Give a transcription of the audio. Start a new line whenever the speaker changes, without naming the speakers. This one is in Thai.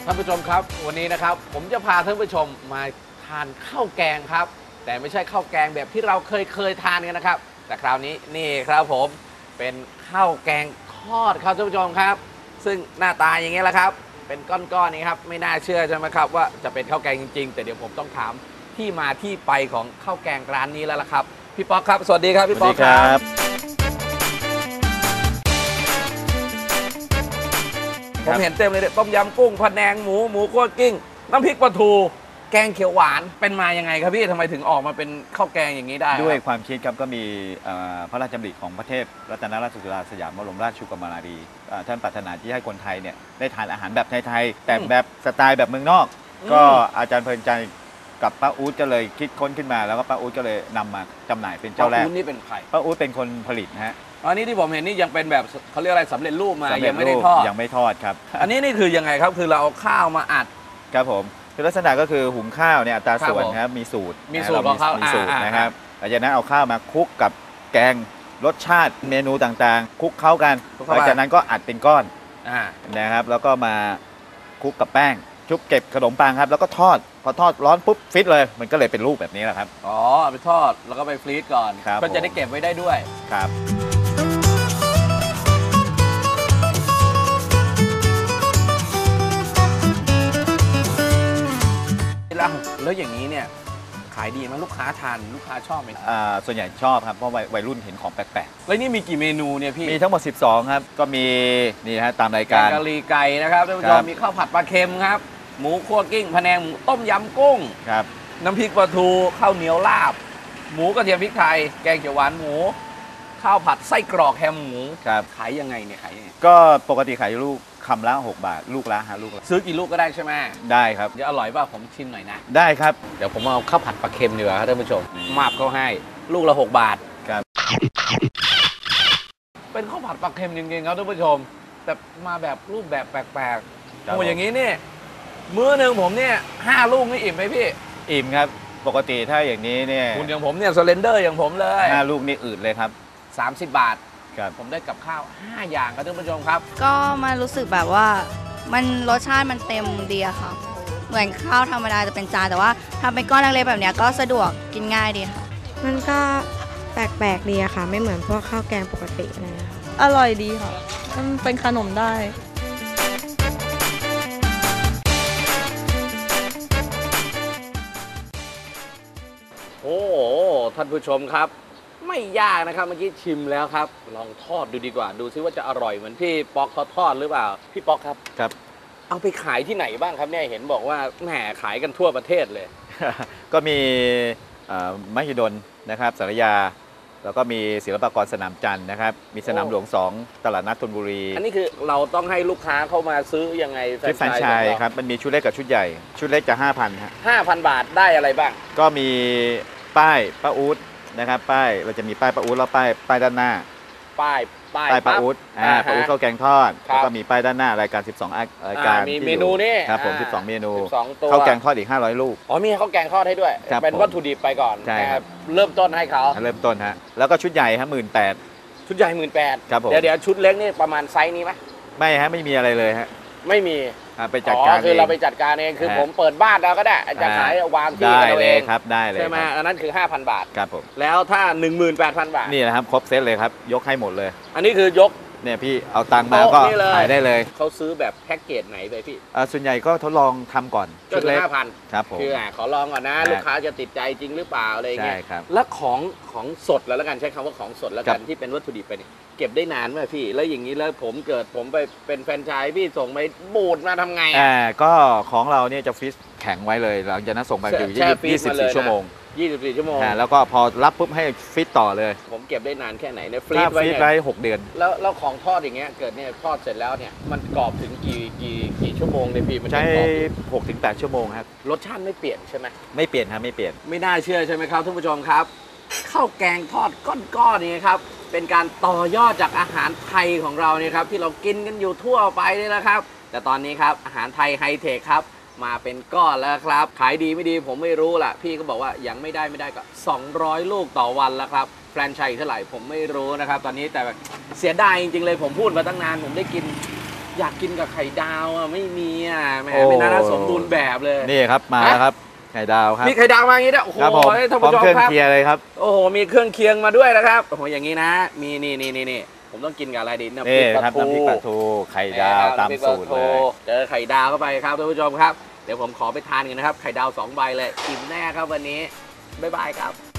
ท่านผู้ชมครับวันนี้นะครับผมจะพาท่านผู้ชมมาทานข้าวแกงครับแต่ไม่ใช่ข้าวแกงแบบที่เราเคยทานกันนะครับแต่คราวนี้นี่ครับผมเป็นข้าวแกงทอดครับท่านผู้ชมครับซึ่งหน้าตาอย่างนี้แหละครับเป็นก้อนๆนี้ครับไม่น่าเชื่อใช่ไหมครับว่าจะเป็นข้าวแกงจริงๆแต่เดี๋ยวผมต้องถามที่มาที่ไปของข้าวแกงร้านนี้แล้วล่ะครับพี่ป๊อกครับสวัสดีครับพี่ป๊อกครับผมเห็นเต็มเลยต้มยำกุ้งพะแนงหมูคั่วกิ้งน้ำพริกปลาทูแกงเขียวหวานเป็นมายังไงครับพี่ทำไมถึงออกมาเป็นข้าวแกงอย่างนี้ได้
ด้วยความคิดครับก็มีพระราชดำริของพระเทพรัตนราชสุดาสยามบรมราชชูกมารีท่านปรารถนาที่ให้คนไทยเนี่ยได้ทานอาหารแบบไทยๆแต่แบบสไตล์แบบเมืองนอกก็อาจารย์เพลินใจกับป้าอู๊ดก็เลยคิดค้นขึ้นมาแล้วก็ป้าอู๊ดก็เลยนำมาจำหน่ายเป็นเจ้าแรก
ป้าอู๊ดนี่เป็นใคร
ป้าอู๊ดเป็นคนผลิตนะฮะ
อันนี้ที่ผมเห็นนี่ยังเป็นแบบเขาเรียกอะไรสำเร็จรูปมายังไม่ได้ทอด
ยังไม่ทอดครับ
อันนี้นี่คือยังไงครับคือเราเอาข้าวมาอัด
ครับผมคือลักษณะก็คือหุงข้าวเนี่ยอัตราส่วนครับมีสูตร
ของเขา
มีสูตรนะครับหลังจากนั้นเอาข้าวมาคลุกกับแกงรสชาติเมนูต่างๆคลุกเข้ากันหลังจากนั้นก็อัดเป็นก้อนนะครับแล้วก็มาคลุกกับแป้งชุบเก็บขนมปังครับแล้วก็ทอดพอทอดร้อนปุ๊บฟิตเลยมันก็เลยเป็นรูปแบบนี้แหละครับ
อ๋อไปทอดแล้วก็ไปฟรีซก่อนก็จะได้เก็บไว้ได้ด้วย
ครับ
แล้วอย่างนี้เนี่ยขายดีไหมลูกค้าทานลูกค้าชอบไหม
ส่วนใหญ่ชอบครับเพราะวัยรุ่นเห็นของแปลก
ๆแล้วนี่มีกี่เมนูเนี่ยพี่
มีทั้งหมด12ครับก็มีนี่ฮะตามรายการ
กะหรี่ไก่นะครับท่านผู้ชมมีข้าวผัดปลาเค็มครับหมูคั่วกิ้งพะแนงหมูต้มยำกุ้ง
ครับ
น้ำพริกปลาทูข้าวเหนียวลาบหมูกระเทียมพริกไทยแกงเขียวหวานหมูข้าวผัดไส้กรอกแฮมหมู
ครับ
ขายยังไงเนี่ยขายยังไง
ก็ปกติขายลูกคำละ6 บาทลูกละ5 ลูก
ซื้อกี่ลูกก็ได้ใช่ไหม
ได้ครับ
จะอร่อยป่ะผมชิมหน่อยนะ
ได้ครับ
เดี๋ยวผมเอาข้าวผัดปลาเค็มดีกว่าครับท่านผู้ชมมาบเขาให้ลูกละ6 บาท
ครับ
เป็นข้าวผัดปลาเค็มจริงๆครับท่านผู้ชมแต่มาแบบรูปแบบแปลกๆโอ้อย่างนี้เนี่ยมื้อหนึ่งผมเนี่ย5 ลูกนี่อิ่มไหมพี่
อิ่มครับปกติถ้าอย่างนี้เนี่ย
คุณอย่างผมเนี่ยสเลนเดอร์อย่างผมเลย
5 ลูกนี่อืดเลยครับ
30 บาทผมได้กับข้าว5 อย่างครับท่านผู้ชมครับ
ก็มันรู้สึกแบบว่ามันรสชาติมันเต็มดีอะค่ะเหมือนข้าวธรรมดาจะเป็นจานแต่ว่าทำเป็นก้อนเล็กๆแบบนี้ก็สะดวกกินง่ายดีค่ะ
มันก็แปลกๆดีอะค่ะไม่เหมือนพวกข้าวแกงปกติอะไรนะคะ
อร่อยดีค่ะมันเป็นขนมได้
โอ้ท่านผู้ชมครับไม่ยากนะครับเมื่อกี้ชิมแล้วครับลองทอดดูดีกว่าดูซิว่าจะอร่อยเหมือนพี่ป๊อกเขาทอดหรือเปล่าพี่ป๊อกครับ
ครับ
เอาไปขายที่ไหนบ้างครับเนี่ยเห็นบอกว่าแหมขายกันทั่วประเทศเลย
ก็มีมหิดลนะครับสารยาแล้วก็มีศิลปากรสนามจันทร์นะครับมีสนามหลวง2ตลาดนัดธนบุรี
อันนี้คือเราต้องให้ลูกค้าเข้ามาซื้อยังไง
แฟรนไชส์ครับมันมีชุดเล็กกับชุดใหญ่ชุดเล็กจะ 5,000 ฮะ
5,000 บาทได้อะไรบ้าง
ก็มีป้ายป้าอู๊ดนะครับป้ายเราจะมีป้ายป้าอู๊ดแล้วป้ายด้านหน้า
ป้าย
ป้าอู๊ดป้าอู๊ดข้าวแกงทอดแล้วก็มีป้ายด้านหน้ารายการ12รายการ
มีเมนูนี่
ครับผม12 เมนูข้าวแกงทอดอีก500 ลูก
อ๋อมีข้าวแกงทอดให้ด้วยเป็นวัตถุดิบไปก่อน
ใช่ครับ
เริ่มต้นให้เขา
เริ่มต้นฮะแล้วก็ชุดใหญ่ฮะ18,000
ชุดใหญ่18,000
ครับผม
เดี๋ยวชุดเล็กนี่ประมาณไซส์นี้ไหม
ไม่ฮะไม่มีอะไรเลยฮะ
ไม่มี
ไปจัดการ
คือเราไปจัดการเองคือผมเปิดบ้านเราก็ได้จะขายวางที่เราเอง
ครับได้เลย
ใช่ไหมอันนั้นคือ 5,000 บาท
ครับผม
แล้วถ้า 18,000 บาท
นี่แหละครับครบเซตเลยครับยกให้หมดเลย
อันนี้คือยก
เนี่ยพี่เอาตังค์มาก็ขายได้เลย
เขาซื้อแบบแพ็กเกจไหนไปพี่
ส่วนใหญ่ก็ทดลองทำก่อน
ชุดเล็ก 5,000
ครับผม
คือขอลองก่อนนะลูกค้าจะติดใจจริงหรือเปล่าอะไรเงี้ย
ใช่ครับ
แล้วของสดแล้วกันใช้คำว่าของสดแล้วกันที่เป็นวัตถุดิบไปเนี่ยเก็บได้นานไหมพี่แล้วอย่างนี้แล้วผมไปเป็นแฟรนไชส์พี่ส่งไปบูดมาทำไง
ก็ของเราเนี่ยจะฟรีซแข็งไว้เลยหลังจากนั้นส่งไปอยู่24 ชั่วโมง
24 ชั่วโมง
แล้วก็พอรับปุ๊บให้ฟิตต่อเลย
ผมเก็บได้นานแค่ไหนเนี่ย
ฟรีซไว้6 เดือน
แล้วของทอดอย่างเงี้ยเกิดเนี่ยทอดเสร็จแล้วเนี่ยมันกรอบถึงกี่ชั่วโมงเนี่ยพี่มัน
ใช้6 ถึง 8 ชั่วโมงครับ
รสชาติไม่เปลี่ยนใช่ไหม
ไม่เปลี่ยนครับไม่เปลี่ยน
ไม่น่าเชื่อใช่ไหมครับท่านผู้ชมครับข้าวแกงทอดก้อนๆนี่ครับเป็นการต่อยอดจากอาหารไทยของเราเนี่ยครับที่เรากินกันอยู่ทั่วไปนี่แหละครับแต่ตอนนี้ครับอาหารไทยไฮเทคครับมาเป็นก้อนแล้วครับขายดีไม่ดีผมไม่รู้ล่ะพี่ก็บอกว่ายังไม่ได้ก็200 ลูกต่อวันแล้วครับแฟรนไชส์เท่าไหร่ผมไม่รู้นะครับตอนนี้แต่เสียดายจริงๆเลยผมพูดมาตั้งนานผมได้กินอยากกินกับไข่ดาวอ่ะไม่มีอ่ะแหม
โอ้
ไม่น่าสมบูรณ์แบบเลย
นี่ครับมาแล้วครับไข่ดาวครับ
มีไข่ดาวมาอย่างนี้ด้วยโอ้โห
ครับผม
ท่าน
พร้อ
ผู้
ม
ชม
เครื่อง
ครับ
เคียงเลยครับ
โอ้โหมีเครื่องเคียงมาด้วยนะครับโอ้โหอย่างนี้นะ มีนี่ผมต้องกินกับอะไรดีน้ำพริ
นี่
กปลา
ครับ
ทู
น้ำพริกปลาทูไข่ดาวตามสูตรเลย
เจอไข่ดาวเข้าไปครับท่านผู้ชมครับเดี๋ยวผมขอไปทานกันนะครับไข่ดาว2 ใบเลยอิ่มแน่ครับวันนี้บ๊ายบายครับ